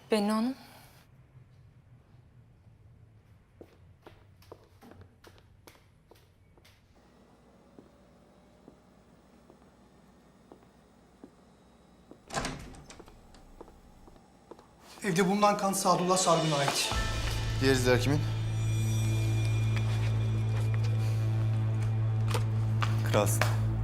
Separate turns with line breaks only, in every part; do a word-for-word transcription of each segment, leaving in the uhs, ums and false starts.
Bennu Hanım.
Evde bulunan kan Sadullah Sargun'a ait.
Diğer izler kimin? Kralsın.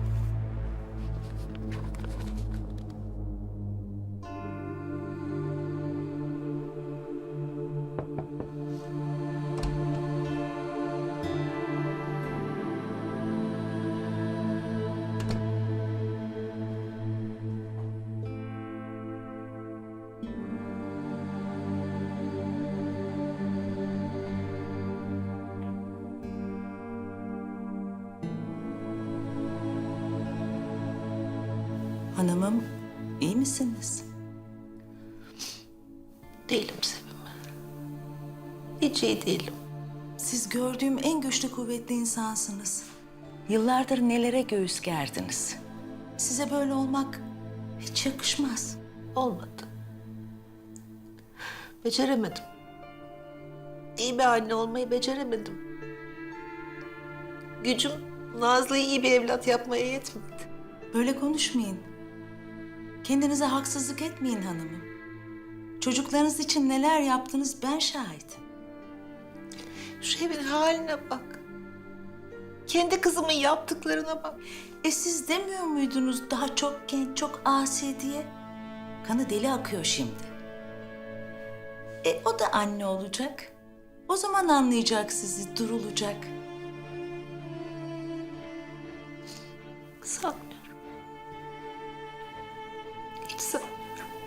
Hanımım, iyi misiniz?
Değilim Sevim. Hiç iyi değilim.
Siz gördüğüm en güçlü, kuvvetli insansınız. Yıllardır nelere göğüs gerdiniz. Size böyle olmak hiç yakışmaz.
Olmadı. Beceremedim. İyi bir anne olmayı beceremedim. Gücüm Nazlı'yı iyi bir evlat yapmaya yetmedi.
Böyle konuşmayın. Kendinize haksızlık etmeyin hanımım. Çocuklarınız için neler yaptınız ben şahidim.
Şu evin haline bak. Kendi kızımın yaptıklarına bak.
E siz demiyor muydunuz daha çok genç, çok asi diye? Kanı deli akıyor şimdi. E o da anne olacak. O zaman anlayacak sizi, durulacak.
Sanmıyorum. Hiç sanmıyorum.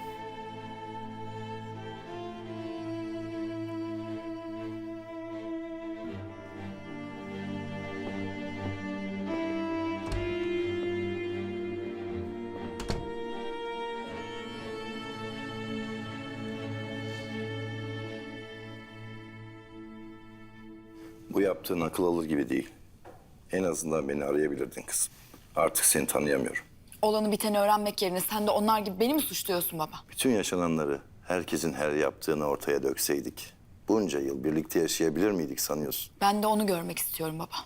Bu yaptığın akıl alır gibi değil. En azından beni arayabilirdin kızım. Artık seni tanıyamıyorum.
Olanı biteni öğrenmek yerine sen de onlar gibi beni mi suçluyorsun baba?
Bütün yaşananları, herkesin her yaptığını ortaya dökseydik... bunca yıl birlikte yaşayabilir miydik sanıyorsun?
Ben de onu görmek istiyorum baba.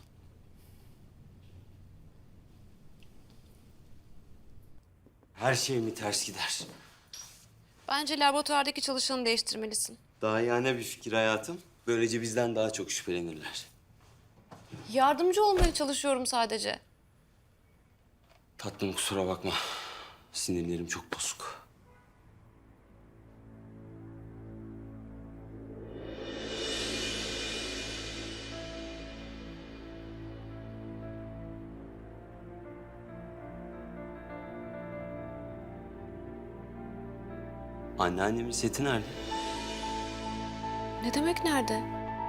Her şey mi ters gider?
Bence laboratuvardaki çalışanı değiştirmelisin.
Daha yani bir fikir hayatım. Böylece bizden daha çok şüphelenirler.
Yardımcı olmaya çalışıyorum sadece.
Tatlım kusura bakma. Sinirlerim çok bozuk. Anneannemin seti nerede?
Ne demek nerede?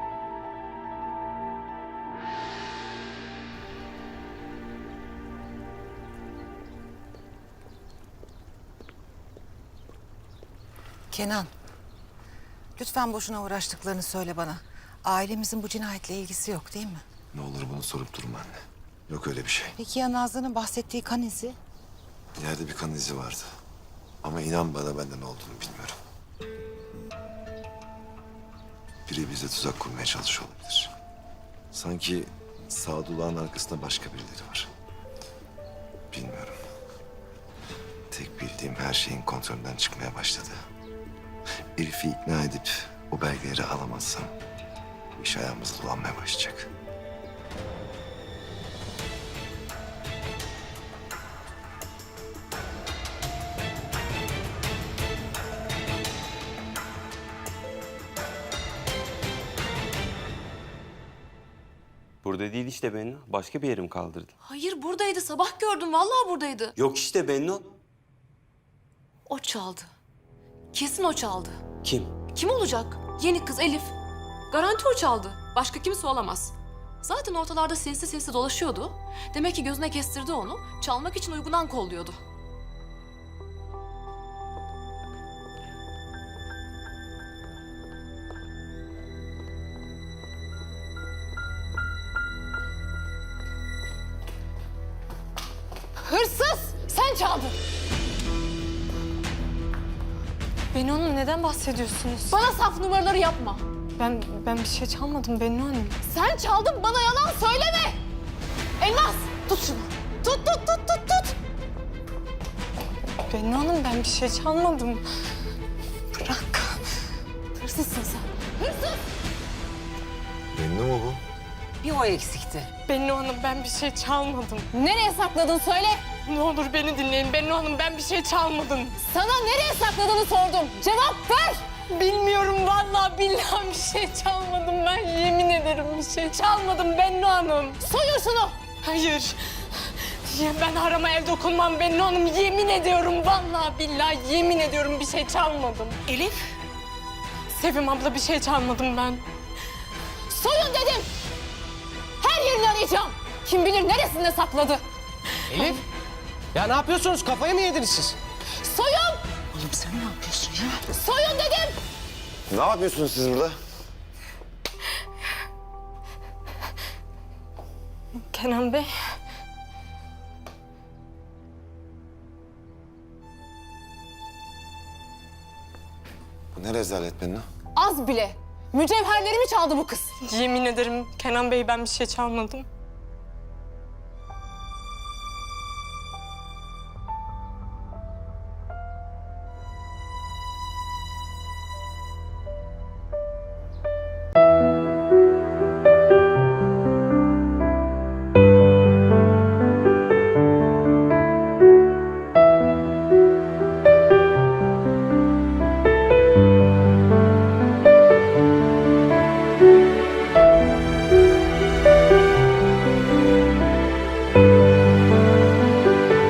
Kenan, lütfen boşuna uğraştıklarını söyle bana. Ailemizin bu cinayetle ilgisi yok değil mi?
Ne olur bunu sorup durma anne. Yok öyle bir şey.
Peki ya Nazlı'nın bahsettiği kan izi?
Yerde bir kan izi vardı. Ama inan bana benden ne olduğunu bilmiyorum. Biri bize tuzak kurmaya çalışıyor olabilir. Sanki Sadullah'ın arkasında başka birileri var. Bilmiyorum. Tek bildiğim her şeyin kontrolünden çıkmaya başladı. Elif'i ikna edip o belgeleri alamazsam bu iş ayağımıza dolanmaya başlayacak.
Burada değil işte Bennu. Başka bir yerim kaldırdı.
Hayır buradaydı. Sabah gördüm. Vallahi buradaydı.
Yok işte Bennu.
O çaldı. Kesin o çaldı.
Kim?
Kim olacak? Yeni kız Elif. Garanti o çaldı. Başka kimse olamaz. Zaten ortalarda sinsi sinsi dolaşıyordu. Demek ki gözüne kestirdi onu. Çalmak için uygunan kolluyordu. Hırsız! Sen çaldın.
Bennu Hanım neden bahsediyorsunuz?
Bana saf numaraları yapma.
Ben ben bir şey çalmadım Bennu Hanım.
Sen çaldın, bana yalan söyleme. Elmas, tut şunu. Tut, tut, tut, tut, tut.
Bennu Hanım ben bir şey çalmadım. Bırak.
Hırsızsın sen. Hırsız.
Bennu mu bu?
Bir o eksikti.
Bennu Hanım ben bir şey çalmadım.
Nereye sakladın söyle.
Ne olur beni dinleyin. Bennu Hanım ben bir şey çalmadım.
Sana nereye sakladığını sordum. Cevap ver.
Bilmiyorum vallahi billahi bir şey çalmadım ben. Yemin ederim bir şey çalmadım Bennu Hanım.
Soyun şunu.
Hayır. Ya ben harama el dokunmam Bennu Hanım. Yemin ediyorum vallahi billahi yemin ediyorum bir şey çalmadım.
Elif.
Sevim abla bir şey çalmadım ben.
Soyun dedim. Her yerini arayacağım. Kim bilir neresinde sakladı.
Elif! Ya ne yapıyorsunuz? Kafayı mı yediniz siz?
Soyun.
Oğlum sen ne yapıyorsun ya?
Soyun dedim.
Ne yapıyorsunuz siz burada?
Kenan Bey.
Bu ne rezalet Bennu?
Az bile. Mücevherlerimi çaldı bu kız.
Yemin ederim Kenan Bey ben bir şey çalmadım.